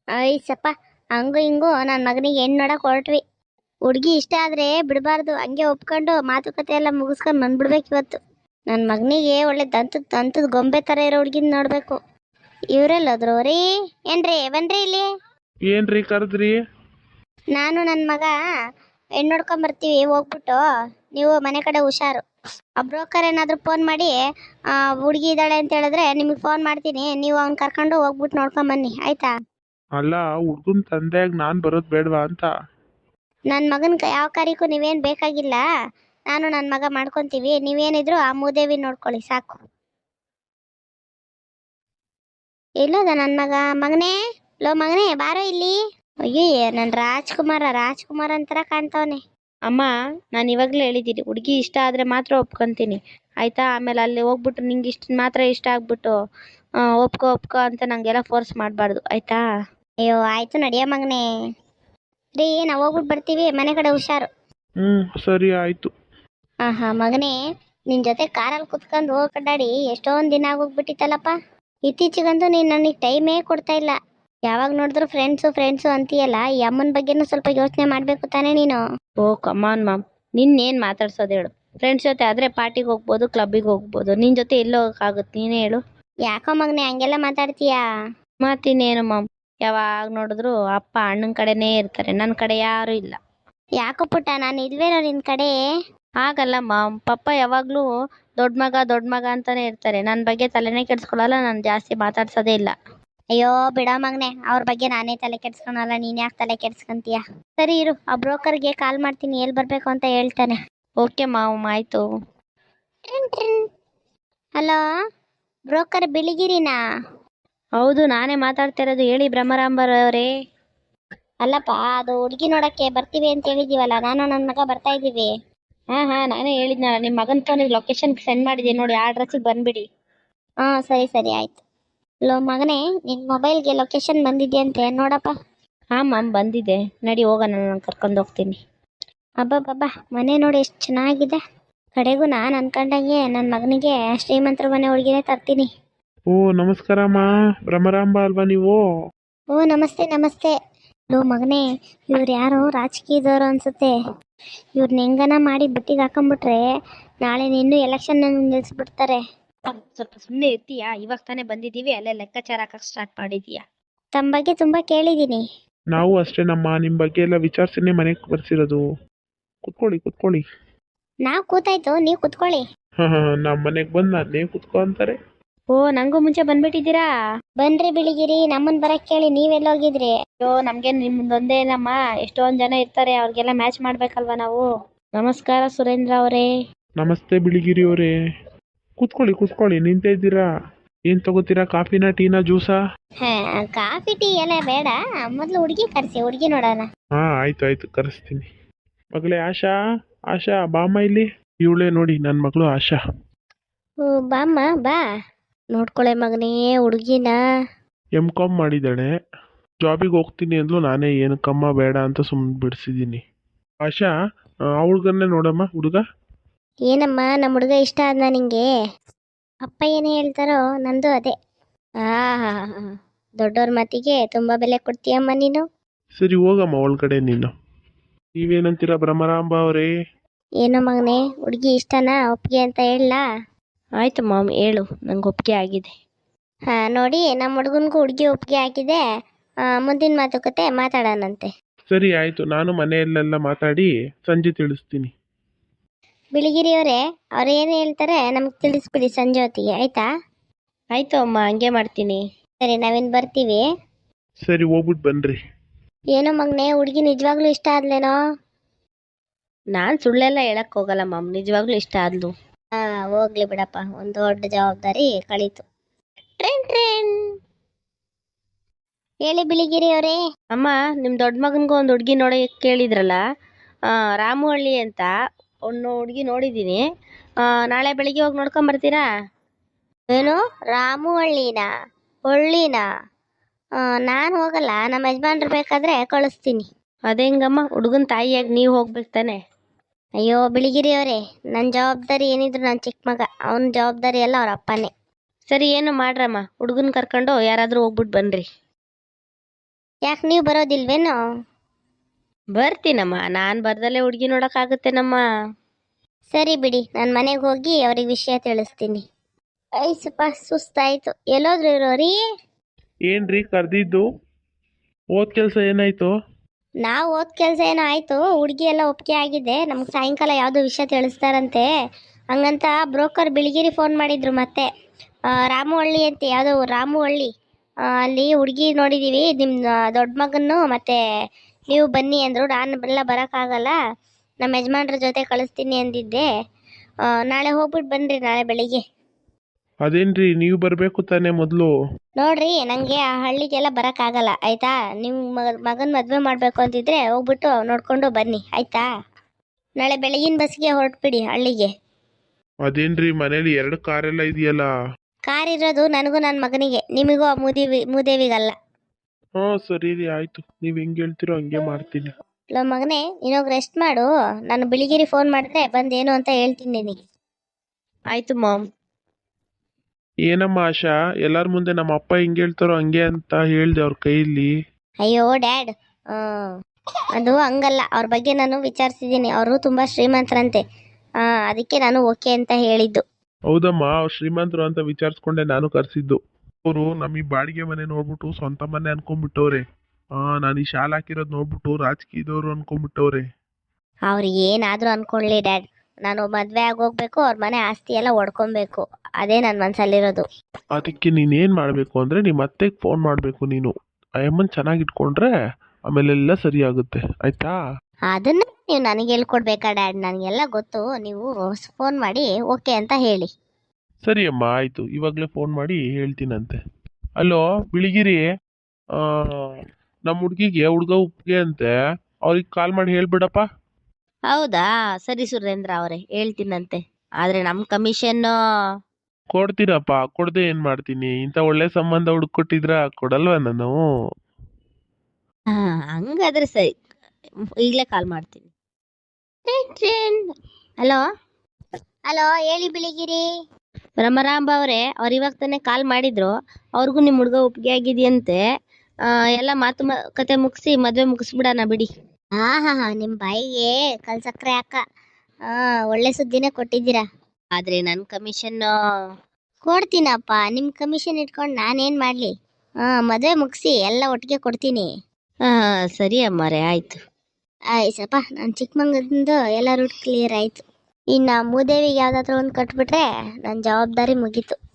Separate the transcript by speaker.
Speaker 1: ಐಸಪ್ಪ, ಹಂಗು ಹಿಂಗು ನನ್ನ ಮಗನಿಗೆ ಹೆಣ್ಣು ನೋಡಕ್ ಹೊರಟ್ವಿ. ಹುಡುಗಿ ಇಷ್ಟ ಆದ್ರೆ ಬಿಡಬಾರ್ದು, ಹಂಗೆ ಒಪ್ಕೊಂಡು ಮಾತುಕತೆ ಎಲ್ಲ ಮುಗಿಸ್ಕೊಂಡು ಬಂದ್ಬಿಡ್ಬೇಕು ಇವತ್ತು. ನನ್ನ ಮಗನಿಗೆ ಒಳ್ಳೆ ದಂತದ ಗೊಂಬೆ ಥರ ಇರೋ ಹುಡುಗಿನ ನೋಡಬೇಕು. ಇವರೆಲ್ಲೋದ್ರು ರೀ? ಏನ್ರಿ ಬನ್ರಿ ಇಲ್ಲಿ.
Speaker 2: ಏನ್ರಿ ಕರೆದ್ರಿ?
Speaker 1: ನಾನು ನನ್ನ ಮಗ ಹೆಣ್ಣು ನೋಡ್ಕೊಂಬರ್ತೀವಿ, ಹೋಗ್ಬಿಟ್ಟು ನೀವು ಮನೆ ಕಡೆ ಹುಷಾರು. ಆ ಬ್ರೋಕರ್ ಏನಾದರೂ ಫೋನ್ ಮಾಡಿ ಹುಡುಗಿ ಇದ್ದಾಳೆ ಅಂತ ಹೇಳಿದ್ರೆ ನಿಮಗೆ ಫೋನ್ ಮಾಡ್ತೀನಿ, ನೀವು ಅವ್ನ ಕರ್ಕೊಂಡು ಹೋಗ್ಬಿಟ್ಟು ನೋಡ್ಕೊಂಬನ್ನಿ, ಆಯ್ತಾ?
Speaker 2: ಅಲ್ಲ, ಹುಡ್ಗನ್ ತಂದೆಯಾಗಿ ನಾನ್ ಬರೋದ್ ಬೇಡವಾ ಅಂತ.
Speaker 1: ನನ್ನ ಮಗನ ಯಾವ ಕಾರ್ಯಕ್ಕೂ ನೀವೇನು ಬೇಕಾಗಿಲ್ಲ, ನಾನು ನನ್ನ ಮಗ ಮಾಡ್ಕೊತೀವಿ. ನೀವೇನಿದ್ರು ಆ ಮೂದೇವಿ ನೋಡ್ಕೊಳ್ಳಿ ಸಾಕು. ಎಲ್ಲೋದ ನನ್ನ ಮಗ? ಮಗನೇ, ಲೋ ಮಗನೇ, ಬಾರೋ ಇಲ್ಲಿ. ಅಯ್ಯೋ, ನನ್ನ ರಾಜ್ಕುಮಾರ ಅಂತರ ಕಾಣ್ತಾವನೆ. ಅಮ್ಮ, ನಾನು ಇವಾಗಲೇ ಹೇಳಿದ್ದೀನಿ, ಹುಡುಗಿ ಇಷ್ಟ ಆದರೆ ಮಾತ್ರ ಒಪ್ಕೊತೀನಿ, ಆಯಿತಾ? ಆಮೇಲೆ ಅಲ್ಲಿ ಹೋಗ್ಬಿಟ್ಟು ನಿಂಗೆ ಇಷ್ಟ ಮಾತ್ರ ಇಷ್ಟ ಆಗ್ಬಿಟ್ಟು ಒಪ್ಕೋ ಅಂತ ನಂಗೆಲ್ಲ ಫೋರ್ಸ್ ಮಾಡಬಾರ್ದು, ಆಯಿತಾ? ಅಯ್ಯೋ ಆಯಿತು, ನಡಿಯ ಮಗನೇ. ರೀ, ನಾವು ಹೋಗ್ಬಿಟ್ಟು ಬರ್ತೀವಿ, ಮನೆ ಕಡೆ ಹುಷಾರು.
Speaker 2: ಸರಿ ಆಯ್ತು.
Speaker 1: ಹಾಂ ಮಗನೇ, ನಿನ್ನ ಜೊತೆ ಕಾರಲ್ಲಿ ಕುತ್ಕೊಂಡು ಹೋಗಕಡ್ಡಾಡಿ ಎಷ್ಟೊಂದು ದಿನ ಆಗೋಗ್ಬಿಟ್ಟಿತ್ತಲ್ಲಪ್ಪ. ಇತ್ತೀಚೆಗಂತೂ ನೀನು ನನಗೆ ಟೈಮೇ ಕೊಡ್ತಾ ಇಲ್ಲ. ಯಾವಾಗ ನೋಡಿದ್ರು ಫ್ರೆಂಡ್ಸು ಅಂತೀಯಲ್ಲ, ಈ ಅಮ್ಮನ ಬಗ್ಗೆನೂ ಸ್ವಲ್ಪ ಯೋಚನೆ ಮಾಡಬೇಕು ತಾನೇ ನೀನು? ಓ ಕಮಾನ್ ಮಾಮ್, ನಿನ್ನೇನು ಮಾತಾಡ್ಸೋದು ಹೇಳು? ಫ್ರೆಂಡ್ಸ್ ಜೊತೆ ಆದರೆ ಪಾರ್ಟಿಗೆ ಹೋಗ್ಬೋದು, ಕ್ಲಬ್ಬಿಗೆ ಹೋಗ್ಬೋದು, ನಿನ್ನ ಜೊತೆ ಎಲ್ಲಿ ಹೋಗೋಕ್ಕಾಗುತ್ತೆ? ನೀನೇ ಹೇಳು. ಯಾಕೋ ಮಗನೇ ಹಂಗೆಲ್ಲ ಮಾತಾಡ್ತೀಯಾ? ಮಾತಿನೇನು ಮಾಮ್, ಯಾವಾಗ ನೋಡಿದ್ರು ಅಪ್ಪ ಅಣ್ಣನ ಕಡೆನೇ ಇರ್ತಾರೆ, ನನ್ನ ಕಡೆ ಯಾರೂ ಇಲ್ಲ. ಯಾಕೋ ಪುಟ್ಟ, ನಾನು ಇಲ್ವೇನೋ ನಿನ್ನ ಕಡೆ? ಹಾಗಲ್ಲ ಮಾಮ್, ಪಪ್ಪ ಯಾವಾಗಲೂ ದೊಡ್ಡ ಮಗ ಅಂತಾನೆ ಇರ್ತಾರೆ, ನನ್ನ ಬಗ್ಗೆ ತಲೆನೇ ಕೆಡಿಸ್ಕೊಳ್ಳಲ್ಲ, ನಾನು ಜಾಸ್ತಿ ಮಾತಾಡ್ಸೋದೇ ಇಲ್ಲ. ಅಯ್ಯೋ ಬಿಡ ಮಗನೆ, ಅವ್ರ ಬಗ್ಗೆ ನಾನೇ ತಲೆ ಕೆಡ್ಸ್ಕೊಳಲ್ಲ, ನೀನ್ ಯಾಕೆ ತಲೆ ಕೆಡ್ಸ್ಕೊಂತೀಯ? ಸರಿ ಇರು, ಆ ಬ್ರೋಕರ್ಗೆ ಕಾಲ್ ಮಾಡ್ತೀನಿ, ಎಲ್ಲಿ ಬರ್ಬೇಕು ಅಂತ ಹೇಳ್ತಾನೆ. ಓಕೆ ಮಾಮ್, ಆಯ್ತು. ಹಲೋ, ಬ್ರೋಕರ್ ಬಿಳಿಗಿರಿನಾ? ಹೌದು, ನಾನೇ ಮಾತಾಡ್ತಿರೋದು, ಹೇಳಿ ಬ್ರಹ್ಮರಾಂಬರವರೇ. ಅಲ್ಲಪ್ಪ, ಅದು ಹುಡುಗಿ ನೋಡಕ್ಕೆ ಬರ್ತೀವಿ ಅಂತ ಹೇಳಿದೀವಲ್ಲ, ನಾನು ನನ್ನ ಮಗ ಬರ್ತಾ ಇದ್ದೀವಿ. ಹಾಂ ನಾನೇ ಹೇಳಿದ್ನಲ್ಲ, ನಿಮ್ಮ ಮಗನ ಫೋನಿಗೆ ಲೊಕೇಶನ್ ಸೆಂಡ್ ಮಾಡಿದ್ದೀನಿ ನೋಡಿ, ಆ ಅಡ್ರೆಸ್ಸಿಗೆ ಬಂದ್ಬಿಡಿ. ಸರಿ ಆಯ್ತು. ಲೋ ಮಗನೇ, ನಿನ್ನ ಮೊಬೈಲ್ಗೆ ಲೊಕೇಶನ್ ಬಂದಿದೆಯಂತೆ, ನೋಡಪ್ಪ. ಹಾಂ ಮ್ಯಾಮ್, ಬಂದಿದೆ, ನಡಿ ಹೋಗೋಣ, ನಾನು ಕರ್ಕೊಂಡು ಹೋಗ್ತೀನಿ. ಅಬ್ಬಬ್ಬಬ್ಬ, ಮನೆ ನೋಡಿ ಎಷ್ಟು ಚೆನ್ನಾಗಿದೆ. ಕಡೆಗೂ ನಾನು ಅನ್ಕೊಂಡಂಗೆ ನನ್ನ ಮಗನಿಗೆ ಶ್ರೀಮಂತರ ಮನೆ ಹುಡುಗಿನೇ ತರ್ತೀನಿ.
Speaker 2: ಓ ನಮಸ್ಕಾರಮ್ಮ, ಭ್ರಮರಾಂಬ ಅಲ್ವಾ ನೀವು?
Speaker 1: ಓ ನಮಸ್ತೆ. ಲೋ ಮಗನೇ, ಇವ್ರು ಯಾರೋ ರಾಜಕೀಯದವರು ಅನ್ಸುತ್ತೆ. ಇವ್ರನ್ನ ಹೆಂಗನ ಮಾಡಿ ಬುಟ್ಟಿಗೆ ಹಾಕೊಂಡ್ಬಿಟ್ರೆ ನಾಳೆ ನಿನ್ನೂ ಎಲೆಕ್ಷನ್ ನಿಲ್ಲಿಸ್ಬಿಡ್ತಾರೆ. ಸ್ವಲ್ಪ ಸುಮ್ಮನೆ ಇರ್ತೀಯಾ? ಇವಾಗ ತಾನೇ ಬಂದಿದ್ದೀವಿ, ಅಲ್ಲೇ ಲೆಕ್ಕಾಚಾರ ಹಾಕಕ್ಕೆ ಸ್ಟಾರ್ಟ್ ಮಾಡಿದೀಯಾ? ತಮ್ಮ ಬಗ್ಗೆ ತುಂಬ ಕೇಳಿದ್ದೀನಿ.
Speaker 2: ನಾವು ಅಷ್ಟೇ ನಮ್ಮ ನಿಮ್ಮ ಬಗ್ಗೆ ಎಲ್ಲ ವಿಚಾರಿಸಿನೇ ಮನೆಗೆ ಬರ್ಸಿರೋದು. ಕುತ್ಕೊಳ್ಳಿ.
Speaker 1: ನಾವು ಕೂತಾಯ್ತು, ನೀವು ಕುತ್ಕೊಳ್ಳಿ.
Speaker 2: ನಮ್ಮ ಮನೆಗೆ ಬಂದು ಅದೇ ಕುತ್ಕೊ ಅಂತಾರೆ.
Speaker 1: ಓ, ನಂಗೂ ಮುಂಚೆ ಬಂದ್ಬಿಟ್ಟಿದ್ದೀರಾ? ಬನ್ರಿ ಬಿಳಿಗಿರಿ, ನಮ್ಮನ್ ಬರಕ್ ಕೇಳಿ, ನೀವೆಲ್ಲೋಗಿದ್ರಿ? ಅಯ್ಯೋ, ನಮ್ಗೆ ನಿಮ್ದೊಂದೇನಮ್ಮ, ಎಷ್ಟೊಂದ್ ಜನ ಇರ್ತಾರೆ, ಅವ್ರಿಗೆಲ್ಲ ಮ್ಯಾಚ್ ಮಾಡ್ಬೇಕಲ್ವಾ ನಾವು. ನಮಸ್ಕಾರ ಸುರೇಂದ್ರ ಅವರೇ.
Speaker 2: ನಮಸ್ತೆ ಬಿಳಿಗಿರಿ ಅವರೇ. ಕೂತ್ಕೊಳ್ಳಿ, ನಿಂತೇ ಇದ್ದೀರಾ? ಏನ್ ತಗೋತೀರಾ, ಕಾಫಿನಾ, ಟೀನಾ, ಜ್ಯೂಸಾ?
Speaker 1: ಕಾಫಿ ಟೀ ಎಲ್ಲ ಬೇಡ, ಮೊದ್ಲು ಹುಡುಗಿ ಕರ್ಸಿ, ಹುಡುಗಿ ನೋಡೋಣ.
Speaker 2: ಆಯ್ತು ಕರೆಸ್ತೀನಿ. ಮಗಳೇ ಆಶಾ ಬಾಮ್ಮ ಇಲ್ಲಿ. ಇವಳೇ ನೋಡಿ ನನ್ನ ಮಗಳು ಆಶಾ.
Speaker 1: ಓ ಬಾಮ್ಮ, ಬಾ ನೋಡ್ಕೊಳೆ ಮಗನೇ ಹುಡುಗಿನ.
Speaker 2: M.Com ಮಾಡಿದ್ದಾಳೆ, ಜಾಬಿಗೆ ಹೋಗ್ತೀನಿ ಅಂದ್ಲು, ನಾನೇ ಏನಕ್ಕಮ್ಮ ಬೇಡ ಅಂತ ಸುಮ್ಮನೆ ಬಿಡಿಸಿದ್ದೀನಿ. ಆಶಾ, ಹುಡುಗನ್ನೇ ನೋಡಮ್ಮ. ಹುಡುಗ
Speaker 1: ಏನಮ್ಮ, ನಮ್ಮ ಹುಡುಗ ಇಷ್ಟ ಆದ್ನ ನಿಂಗೆ? ಅಪ್ಪ ಏನು ಹೇಳ್ತಾರೋ ನಂದು ಅದೇ. ದೊಡ್ಡವ್ರ ಮಾತಿಗೆ ತುಂಬಾ ಬೆಲೆ ಕೊಡ್ತೀಯಮ್ಮ ನೀನು.
Speaker 2: ಸರಿ ಹೋಗಮ್ಮ ಒಳಗಡೆ ನೀನು. ನೀವೇನಂತೀರಾ ಭ್ರಮರಾಂಬ ಅವರೇ?
Speaker 1: ಏನೋ ಮಗನೇ, ಹುಡುಗಿ ಇಷ್ಟನಾ? ಒಪ್ಪಿಗೆ ಅಂತ ಹೇಳಲಾ? ಆಯ್ತು ಮಾಮ್, ಹೇಳು, ನಂಗೆ ಒಪ್ಪಿಗೆ ಆಗಿದೆ. ನೋಡಿ, ನಮ್ಮ ಹುಡುಗನಿಗೂ ಹುಡುಗಿ ಒಪ್ಪಿಗೆ ಆಗಿದೆ. ಮುಂದಿನ ಮಾತುಕತೆ ಮಾತಾಡೋಣಂತೆ.
Speaker 2: ಸರಿ ಆಯ್ತು, ನಾನು ಮನೆಯಲ್ಲೆಲ್ಲ ಮಾತಾಡಿ ಸಂಜೆ ತಿಳಿಸ್ತೀನಿ.
Speaker 1: ಬಿಳಿಗಿರಿಯವರೇ, ಅವ್ರು ಏನು ಹೇಳ್ತಾರೆ ನಮ್ಗೆ ತಿಳಿಸ್ಬಿಡಿ ಸಂಜೆ ಹೊತ್ತಿಗೆ, ಆಯ್ತಾ? ಆಯ್ತು ಅಮ್ಮ, ಹಂಗೆ ಮಾಡ್ತೀನಿ. ಸರಿ, ನಾವಿನ್ ಬರ್ತೀವಿ.
Speaker 2: ಸರಿ, ಹೋಗ್ಬಿಟ್ಟು ಬನ್ರಿ.
Speaker 1: ಏನೋ ಮಗನೇ, ಹುಡುಗಿ ನಿಜವಾಗ್ಲೂ ಇಷ್ಟ ಆದ್ಲೇನೋ? ನಾನು ಸುಳ್ಳೆಲ್ಲ ಹೇಳಕ್ ಹೋಗಲ್ಲ ಮಾಮ್, ನಿಜವಾಗ್ಲೂ ಇಷ್ಟ ಆದ್ಲು. ಹೋಗ್ಲಿ ಬಿಡಪ್ಪ, ಒಂದು ದೊಡ್ಡ ಜವಾಬ್ದಾರಿ ಕಳೀತು. ಟ್ರೇನ್ ಹೇಳಿ ಬಿಳಿಗಿರಿ ಅವರೇ. ಅಮ್ಮ, ನಿಮ್ಮ ದೊಡ್ಡ ಮಗನಿಗೂ ಒಂದು ಹುಡುಗಿ ನೋಡಿ ಕೇಳಿದ್ರಲ್ಲ, ರಾಮುಹಳ್ಳಿ ಅಂತ ಒಂದು ಹುಡುಗಿ ನೋಡಿದ್ದೀನಿ. ನಾಳೆ ಬೆಳಿಗ್ಗೆ ಹೋಗಿ ನೋಡ್ಕೊಂಬರ್ತೀರಾ? ಏನು, ರಾಮುಹಳ್ಳಿನಾ? ನಾನು ಹೋಗಲ್ಲ, ನಮ್ಮ ಯಜಮಾನ್ರು ಬೇಕಾದ್ರೆ ಕಳಿಸ್ತೀನಿ. ಅದೆಂಗಮ್ಮ, ಹುಡುಗನ ತಾಯಿಯಾಗಿ ನೀವು ಹೋಗ್ಬೇಕು ತಾನೆ? ಅಯ್ಯೋ ಬಿಳಿಗಿರಿ ಅವರೇ, ನನ್ನ ಜವಾಬ್ದಾರಿ ಏನಿದ್ರು ನನ್ನ ಚಿಕ್ಕ ಮಗ, ಅವನ ಜವಾಬ್ದಾರಿ ಎಲ್ಲ ಅವ್ರ ಅಪ್ಪನೇ. ಸರಿ, ಏನು ಮಾಡ್ರಮ್ಮ, ಹುಡುಗನ ಕರ್ಕೊಂಡು ಯಾರಾದರೂ ಹೋಗ್ಬಿಟ್ಟು ಬನ್ನಿರಿ. ಯಾಕೆ ನೀವು ಬರೋದಿಲ್ವೇನೋ?
Speaker 3: ಬರ್ತೀನಮ್ಮ, ನಾನು ಬರ್ದಲ್ಲೇ ಹುಡುಗಿ ನೋಡೋಕ್ಕಾಗುತ್ತೇನಮ್ಮ.
Speaker 1: ಸರಿ ಬಿಡಿ, ನಾನು ಮನೆಗೆ ಹೋಗಿ ಅವ್ರಿಗೆ ವಿಷಯ ತಿಳಿಸ್ತೀನಿ. ಸ್ವಲ್ಪ ಸುಸ್ತಾಯ್ತು. ಎಲ್ಲೋದ್ರು ಇರೋರಿ?
Speaker 2: ಏನ್ರಿ ಕರೆದಿದ್ದು? ಓದ್ ಕೆಲಸ ಏನಾಯ್ತು?
Speaker 1: ನಾವು ಓದ್ ಕೆಲಸ ಏನೋ ಆಯಿತು, ಹುಡುಗಿ ಎಲ್ಲ ಒಪ್ಪಿಗೆ ಆಗಿದೆ. ನಮ್ಗೆ ಸಾಯಂಕಾಲ ಯಾವುದೋ ವಿಷಯ ತಿಳಿಸ್ತಾರಂತೆ. ಹಂಗಂತ ಬ್ರೋಕರ್ ಬಿಳಿಗಿರಿ ಫೋನ್ ಮಾಡಿದ್ರು ಮತ್ತೆ. ರಾಮುವಳ್ಳಿ ಅಂತ, ಯಾವುದೋ ರಾಮುವಳ್ಳಿ, ಅಲ್ಲಿ ಹುಡುಗಿ ನೋಡಿದ್ದೀವಿ, ನಿಮ್ಮ ದೊಡ್ಡ ಮಗನ್ನು ಮತ್ತು ನೀವು ಬನ್ನಿ ಅಂದರು. ನಾನು ಎಲ್ಲ ಬರೋಕ್ಕಾಗಲ್ಲ, ನಮ್ಮ ಯಜಮಾನ್ರ ಜೊತೆ ಕಳಿಸ್ತೀನಿ ಅಂದಿದ್ದೆ. ನಾಳೆ ಹೋಗ್ಬಿಟ್ಟು ಬನ್ನಿರಿ, ನಾಳೆ ಬೆಳಿಗ್ಗೆ.
Speaker 2: ಅದೇನ್ರಿ ನೀವು ಬರಬೇಕು ತಾನೇ ಮೊದಲು?
Speaker 1: ನೋಡ್ರಿ, ನನಗೆ ಆ ಹಳ್ಳಿಗೆಲ್ಲ ಬರೋಕ್ಕಾಗಲ್ಲ ಆಯಿತಾ. ನಿಮ್ಮ ಮಗನ ಮದುವೆ ಮಾಡಬೇಕು ಅಂತಿದ್ರೆ ಹೋಗ್ಬಿಟ್ಟು ನೋಡ್ಕೊಂಡು ಬನ್ನಿ ಆಯಿತಾ. ನಾಳೆ ಬೆಳಗಿನ ಬಸ್ಗೆ ಹೊರಟ್ಬಿಡಿ ಹಳ್ಳಿಗೆ.
Speaker 2: ಅದೇನ್ರಿ ಮನೇಲಿ 2 ಕಾರೆಲ್ಲ ಇದೆಯಲ್ಲ?
Speaker 1: ಕಾರ್ ಇರೋದು ನನಗೂ ನನ್ನ ಮಗನಿಗೆ, ನಿಮಗೂ ಆ ಮೂದೇವಿಗಲ್ಲ.
Speaker 2: ಹಾಂ ಸರಿ ರೀ, ಆಯಿತು. ನೀವು ಹೆಂಗೆ ಹೇಳ್ತೀರೋ ಹಂಗೆ ಮಾಡ್ತೀನಿ.
Speaker 1: ಲೋ ಮಗನೇ, ನೀನೋಗಿ ರೆಸ್ಟ್ ಮಾಡು. ನಾನು ಬಿಳಿಗಿರಿ ಫೋನ್ ಮಾಡಿದ್ರೆ ಬಂದೇನು ಅಂತ ಹೇಳ್ತೀನಿ ನಿನಗೆ.
Speaker 3: ಆಯ್ತು ಮಾಮ್.
Speaker 2: ಏನಮ್ಮ ಆಶಾ, ಎಲ್ಲರ ಮುಂದೆ ನಮ್ಮ ಅಪ್ಪ ಹೆಂಗೆ ಹೇಳ್ತಾರೋ ಹಂಗೆ ಅಂತ ಹೇಳ್ದೆ ಅವ್ರ ಕೈಯಲ್ಲಿ.
Speaker 1: ಅಯ್ಯೋ ಡ್ಯಾಡ್, ಅದು ಹಂಗಲ್ಲ. ಅವ್ರ ಬಗ್ಗೆ ನಾನು ವಿಚಾರಿಸಿದ್ದೀನಿ, ಅವರು ತುಂಬ ಶ್ರೀಮಂತರಂತೆ. ಅದಕ್ಕೆ ನಾನು ಓಕೆ ಅಂತ ಹೇಳಿದ್ದು.
Speaker 2: ಹೌದಮ್ಮ, ಅವ್ರು ಶ್ರೀಮಂತರು ಅಂತ ವಿಚಾರಿಸ್ಕೊಂಡೆ ನಾನು ಕರೆಸಿದ್ದು. ಅವರು ನಮಗೆ ಬಾಡಿಗೆ ಮನೆ ನೋಡ್ಬಿಟ್ಟು ಸ್ವಂತ ಮನೆ ಅನ್ಕೊಂಡ್ಬಿಟ್ಟವ್ರೆ. ನಾನು ಈ ಶಾಲೆ ಹಾಕಿರೋದು ನೋಡ್ಬಿಟ್ಟು ರಾಜಕೀಯದವರು ಅನ್ಕೊಂಡ್ಬಿಟ್ಟವ್ರೆ.
Speaker 1: ಅವ್ರು ಏನಾದರೂ ಅಂದ್ಕೊಳ್ಳಿ ಡ್ಯಾಡ್, ನಾನು ಮದುವೆ ಆಗೋಗ್ಬೇಕು, ಅವ್ರ ಮನೆ ಆಸ್ತಿ ಎಲ್ಲ ಒಡ್ಕೊಬೇಕು, ಅದೇ ನನ್ನ ಮನಸ್ಸಲ್ಲಿರೋದು.
Speaker 2: ಅದಕ್ಕೆ ನೀನೇನು ಮಾಡಬೇಕು ಅಂದರೆ ನಿಮ್ಮ ಅತ್ತೆಗೆ ಫೋನ್ ಮಾಡಬೇಕು ನೀನು. ಆ ಅಮ್ಮನ ಚೆನ್ನಾಗಿ ಇಟ್ಕೊಂಡ್ರೆ ಆಮೇಲೆಲ್ಲ ಸರಿ ಆಗುತ್ತೆ, ಆಯ್ತಾ?
Speaker 1: ಅದನ್ನು ನೀವು ನನಗೆ ಹೇಳ್ಕೊಡ್ಬೇಕಾ ಡ್ಯಾಡ್? ನನಗೆಲ್ಲ ಗೊತ್ತು. ನೀವು ಫೋನ್ ಮಾಡಿ ಓಕೆ ಅಂತ ಹೇಳಿ.
Speaker 2: ಸರಿ ಅಮ್ಮ, ಆಯಿತು. ಇವಾಗಲೇ ಫೋನ್ ಮಾಡಿ ಹೇಳ್ತೀನಂತೆ. ಅಲೋ ಬಿಳಿಗಿರಿ, ನಮ್ಮ ಹುಡುಗಿಗೆ ಹುಡುಗ ಉಪ್ಪಿಗೆ ಅಂತೆ, ಅವ್ರಿಗೆ ಕಾಲ್ ಮಾಡಿ ಹೇಳ್ಬಿಡಪ್ಪ.
Speaker 3: ಹೌದಾ, ಸರಿ ಸುರೇಂದ್ರ ಅವರೇ, ಹೇಳ್ತೀನಂತೆ. ಆದರೆ ನಮ್ಮ ಕಮಿಷನ್
Speaker 2: ಕೊಡ್ತೀನಪ್ಪ, ಕೊಡದೆ ಏನು ಮಾಡ್ತೀನಿ? ಇಂಥ ಒಳ್ಳೆ ಸಂಬಂಧ ಹುಡುಕೊಟ್ಟಿದ್ರ ಕೊಡಲ್ವಾ ನಾನು?
Speaker 3: ಹಂಗಾದ್ರೆ ಸರಿ, ಈಗಲೇ ಕಾಲ್ ಮಾಡ್ತೀನಿ.
Speaker 1: ಹಲೋ ಹಲೋ, ಹೇಳಿ ಬಿಳಿಗಿರಿ.
Speaker 3: ರಮರಾಂಬ ಅವರೇ, ಅವ್ರು ಇವಾಗ ತಾನೇ ಕಾಲ್ ಮಾಡಿದ್ರು. ಅವ್ರಿಗೂ ನಿಮ್ಮ ಹುಡುಗ ಒಪ್ಪಿಗೆ ಆಗಿದೆಯಂತೆ. ಎಲ್ಲ ಮಾತುಕತೆ ಮುಗಿಸಿ ಮದುವೆ ಮುಗಿಸ್ಬಿಡೋಣ ಬಿಡಿ.
Speaker 1: ಹಾ, ನಿಮ್ಮ ಬಾಯಿಗೆ ಕಲ್ಸಕ್ರೆ ಅಕ್ಕ. ಒಳ್ಳೆ ಸುದ್ದಿನೇ ಕೊಟ್ಟಿದ್ದೀರಾ.
Speaker 3: ಆದರೆ ನನ್ನ ಕಮಿಷನ್
Speaker 1: ಕೊಡ್ತೀನಪ್ಪ. ನಿಮ್ಮ ಕಮಿಷನ್ ಇಟ್ಕೊಂಡು ನಾನೇನು ಮಾಡಲಿ? ಮದುವೆ ಮುಗಿಸಿ ಎಲ್ಲ ಒಟ್ಟಿಗೆ ಕೊಡ್ತೀನಿ.
Speaker 3: ಸರಿ ಅಮ್ಮರೇ, ಆಯಿತು.
Speaker 1: ಆಯ್ತಪ್ಪ, ನಾನು ಚಿಕ್ಕಮಂಗ್ಳದಿಂದ ಎಲ್ಲ ರೂಟ್ ಕ್ಲಿಯರ್ ಆಯಿತು. ಇನ್ನು ಮೂದೇವಿಗೆ ಯಾವುದಾದ್ರೂ ಒಂದು ಕಟ್ಬಿಟ್ರೆ ನನ್ನ ಜವಾಬ್ದಾರಿ ಮುಗೀತು.